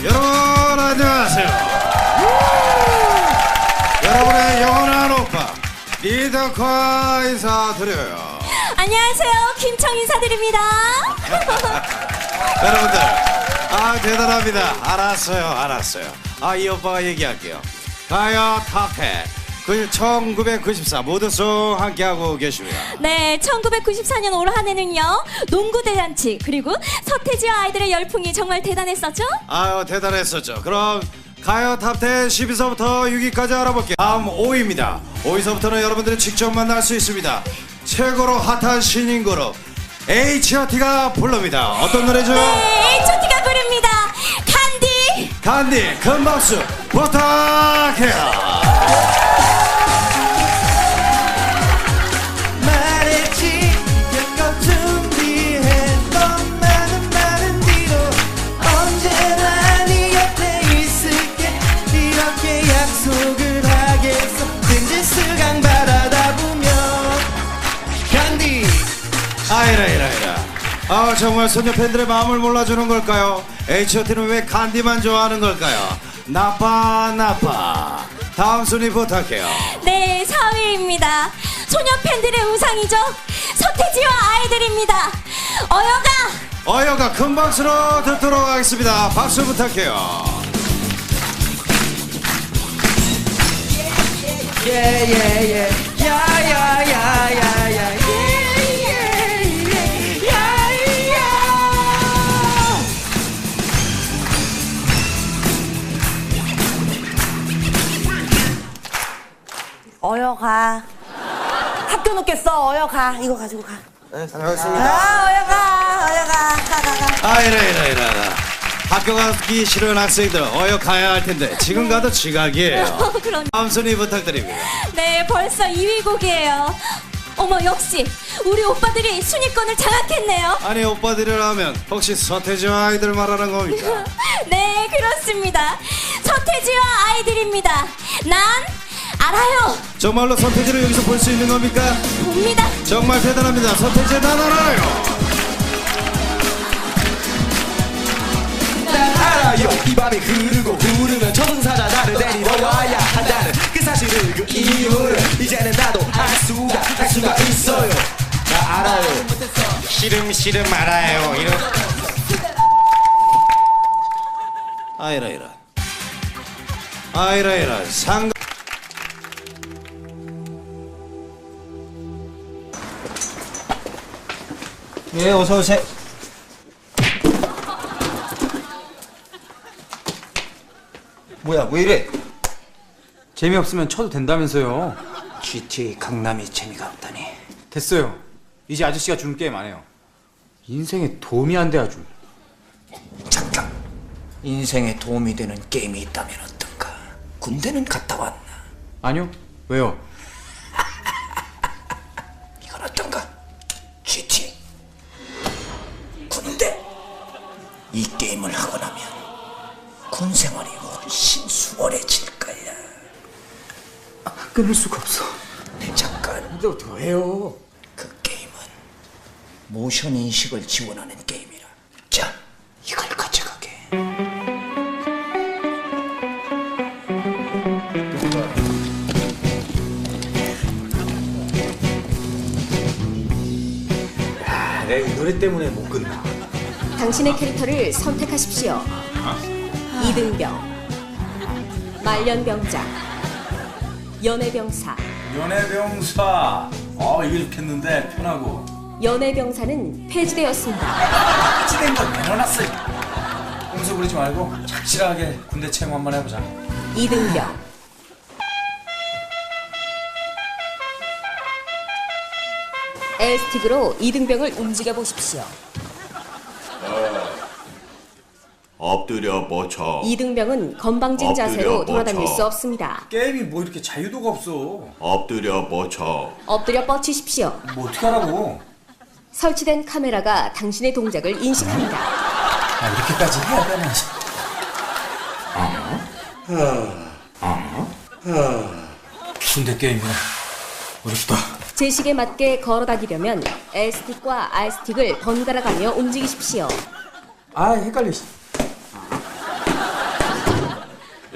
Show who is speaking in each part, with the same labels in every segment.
Speaker 1: 여러분 안녕하세요. 여러분의 영원한 오빠 리더카 인사드려요.
Speaker 2: 안녕하세요, 김청 인사드립니다.
Speaker 1: 여러분들 대단합니다. 알았어요. 이 오빠가 얘기할게요. 가요 탑10 1994 모두송 함께하고 계십니다.
Speaker 2: 네, 1994년 올 한 해는요, 농구 대잔치 그리고 서태지와 아이들의 열풍이 정말 대단했었죠?
Speaker 1: 아유 대단했었죠. 그럼 가요 탑10 10위서부터 6위까지 알아볼게요. 다음 5위입니다. 5위서부터는 여러분들이 직접 만날 수 있습니다. 최고로 핫한 신인 그룹 H.O.T가 부릅니다. 어떤 노래죠?
Speaker 2: 네, H.O.T가 부릅니다.
Speaker 1: 간디 큰 박수 부탁해요. 이라. 정말 소녀 팬들의 마음을 몰라주는 걸까요? H.O.T는 왜 간디만 좋아하는 걸까요? 나빠. 다음 순위 부탁해요.
Speaker 2: 네, 4위입니다. 소녀 팬들의 우상이죠. 서태지와 아이들입니다.
Speaker 1: 어여가 큰 박수로 듣도록 하겠습니다. 박수 부탁해요.
Speaker 3: 어여가. 학교 늦겠어. 어여가. 이거 가지고 가.
Speaker 1: 네, 다녀오겠습니다.
Speaker 3: 어여가.
Speaker 1: 이라. 학교 가기 싫은 학생들 어여 가야 할 텐데 지금 가도 지각이에요. 다음 순위 부탁드립니다.
Speaker 2: 네, 벌써 2위 곡이에요. 어머, 역시 우리 오빠들이 순위권을 장악했네요.
Speaker 1: 아니 오빠들이라면 혹시 서태지와 아이들 말하는 겁니까?
Speaker 2: 네, 그렇습니다. 서태지와 아이들입니다. 난 알아요.
Speaker 1: 정말로 서태지를 여기서 볼 수 있는 겁니까?
Speaker 2: 봅니다.
Speaker 1: 정말 대단합니다. 서태지 난 알아요.
Speaker 4: 알아요. 이 밤이 흐르고 부르면 저승사자 나를 데리러 와야 한다는 그 사실을 그 이유를 이제는 나도 알 수가 있어요. 나 알아요.
Speaker 1: 시름 알아요. 이라. 상가.
Speaker 5: 예, 어서 오세요. 뭐야, 왜 이래?
Speaker 6: 재미없으면 쳐도 된다면서요.
Speaker 5: GTA 강남이 재미가 없다니.
Speaker 6: 됐어요. 이제 아저씨가 주는 게임 안 해요. 인생에 도움이 안 돼 아주.
Speaker 5: 잠깐. 인생에 도움이 되는 게임이 있다면 어떤가? 군대는 갔다 왔나?
Speaker 6: 아니요. 왜요?
Speaker 5: 이건 어떤가? GTA. 군대. 이 게임을 하고 나면 군 생활이 훨씬 수월해질 거야.
Speaker 6: 끊을 수가 없어.
Speaker 5: 잠깐.
Speaker 6: 근데 어떻게 해요?
Speaker 5: 그 게임은 모션 인식을 지원하는 게임이라. 자, 이걸 가져가게.
Speaker 6: 내가 이 노래 때문에 못 끝나.
Speaker 7: 당신의 캐릭터를 선택하십시오. 이등병, 말년병장, 연애병사.
Speaker 8: 연애병사. 이게 좋겠는데 편하고.
Speaker 7: 연애병사는 폐지되었습니다.
Speaker 8: 찌된 건 내려놨어요. 꼼수 부리지 말고 착실하게 군대 체험 한번 해보자.
Speaker 7: 이등병, L스틱으로 이등병을 움직여 보십시오.
Speaker 9: 엎드려 뻗쳐.
Speaker 7: 이등병은 건방진 자세로 돌아다닐 수 없습니다.
Speaker 8: 게임이 뭐 이렇게 자유도가 없어.
Speaker 9: 엎드려 뻗쳐.
Speaker 7: 엎드려 뻗치십시오.
Speaker 8: 뭐 어떻게 하라고.
Speaker 7: 설치된 카메라가 당신의 동작을 인식합니다.
Speaker 8: 이렇게까지 해야 되나. 군대 게임이야. 어렵다.
Speaker 7: 제식에 맞게 걸어다니려면 L스틱과 R스틱을 번갈아 가며 움직이십시오.
Speaker 6: 아, 헷갈려.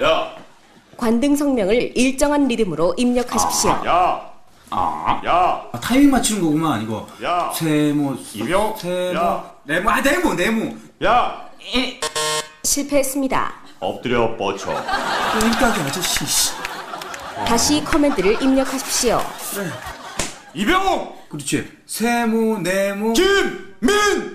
Speaker 9: 야.
Speaker 7: 관등 성명을 일정한 리듬으로 입력하십시오.
Speaker 9: 야. 야.
Speaker 8: 타이밍 맞추는 거구만 이거.
Speaker 9: 야.
Speaker 8: 세모
Speaker 9: 이병.
Speaker 8: 세모
Speaker 9: 야.
Speaker 8: 네모.
Speaker 9: 야.
Speaker 7: 실패했습니다.
Speaker 9: 엎드려 뻗쳐.
Speaker 8: 그러니까 아저씨. 씨.
Speaker 7: 다시 커맨드를 입력하십시오.
Speaker 9: 이병호.
Speaker 8: 그렇지. 세모 네모.
Speaker 9: 김민.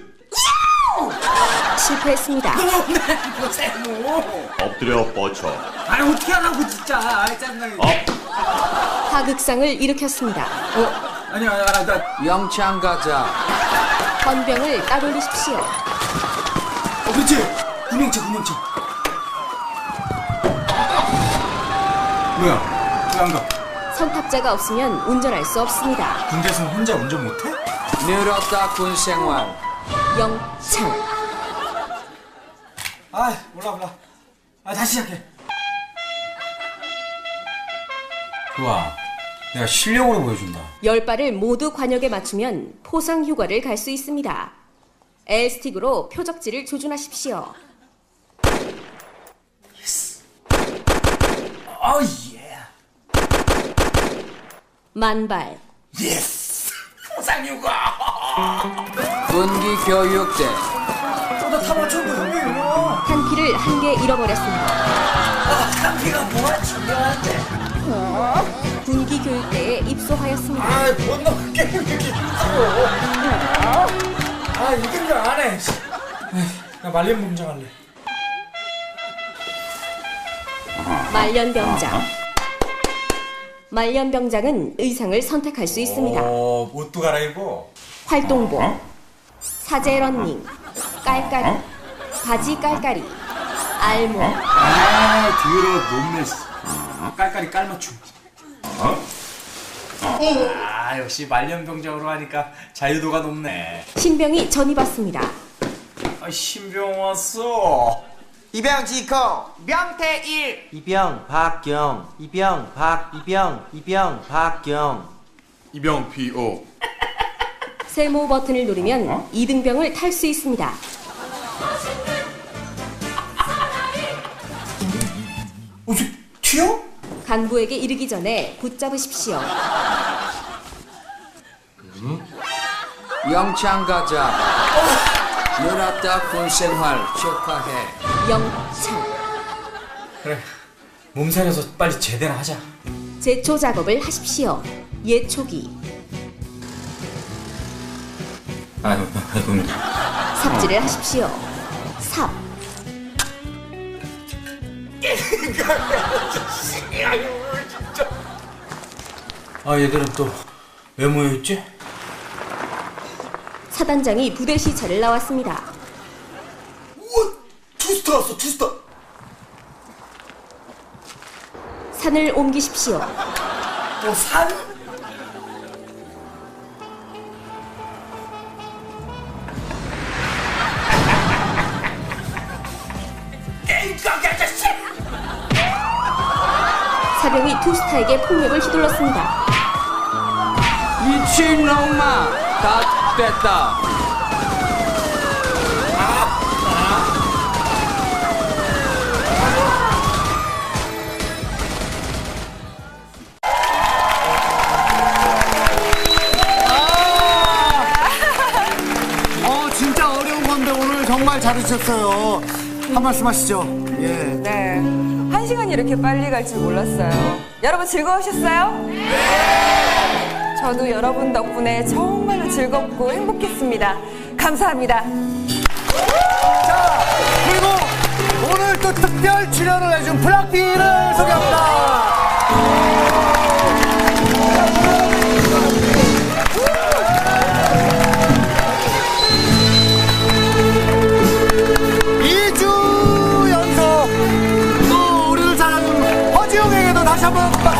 Speaker 7: 실패했습니다.
Speaker 8: 세모.
Speaker 9: 엎드려 뻗쳐.
Speaker 8: 아니 어떻게 하라고 진짜. 아이 짜증나게.
Speaker 7: 하극상을 일으켰습니다.
Speaker 8: 아니야 나.
Speaker 5: 영창 가자.
Speaker 7: 건병을 따돌리십시오.
Speaker 8: 그렇지. 구명차. 뭐야? 왜 안 가?
Speaker 7: 선탑자가 없으면 운전할 수 없습니다.
Speaker 8: 군대에서 혼자 운전 못해?
Speaker 5: 늘었다 군 생활.
Speaker 7: 영창.
Speaker 8: 아 몰라. 다시 시작해. 좋아. 내가 실력으로 보여준다.
Speaker 7: 10발을 모두 관역에 맞추면 포상 휴가를 갈 수 있습니다. L스틱으로 표적지를 조준하십시오.
Speaker 8: 어 예.
Speaker 7: 만발.
Speaker 8: 예스. 포상휴가.
Speaker 5: 군기 교육대.
Speaker 8: 나 다 맞췄는데 형님.
Speaker 7: 탄피를 한 개 잃어버렸습니다.
Speaker 8: 한피가 뭐가 중요한데.
Speaker 7: 군기 교육대에 입소하였습니다.
Speaker 8: 못 넘게 이렇게 힘들어. 이건 줄 안 해. 나 말년병장 할래.
Speaker 7: 말년병장. 말년병장은 의상을 선택할 수 있습니다.
Speaker 8: 옷도 갈아입어.
Speaker 7: 활동복, 사제 런닝, 깔깔이, 바지 깔깔이, 알몸.
Speaker 8: 뒤로 몸매. 깔깔이 깔맞춤. 역시 말년병장으로 하니까 자유도가 높네.
Speaker 7: 신병이 전입왔습니다.
Speaker 8: 신병 왔어.
Speaker 4: 이병 지코 명태일. 이병 박경. 이병 박경.
Speaker 9: 이병 PO.
Speaker 7: 세모 버튼을 누르면 이등병을 탈 수 있습니다.
Speaker 8: 튀어?
Speaker 7: 간부에게 이르기 전에 붙잡으십시오.
Speaker 5: 영창 가자. 늘었다 군 생활 축하해.
Speaker 7: 영창.
Speaker 8: 그래. 몸살려서 빨리 제대로 하자.
Speaker 7: 제초 작업을 하십시오. 예초기.
Speaker 8: 아이고.
Speaker 7: 삽질을 하십시오. 삽.
Speaker 8: 얘들은 또 왜 모여있지?
Speaker 7: 사단장이 부대 시찰을 나왔습니다.
Speaker 8: 우와! 투스타 왔어, 투스타!
Speaker 7: 산을 옮기십시오.
Speaker 8: 산? 게임가게 아저씨!
Speaker 7: 사병이 투스타에게 폭력을 휘둘렀습니다.
Speaker 5: 미친놈아, 다 됐다.
Speaker 4: 진짜 어려운 건데 오늘 정말 잘해주셨어요. 한 말씀 하시죠. 예.
Speaker 3: 네. 1시간이 이렇게 빨리 갈 줄 몰랐어요. 여러분 즐거우셨어요? 네! 저도 여러분 덕분에 정말로 즐겁고 행복했습니다. 감사합니다.
Speaker 4: 자, 그리고 오늘 또 특별 출연을 해준 블락비를 소개합니다. 또 우리를 사랑하는 허지웅에게도 다시 한번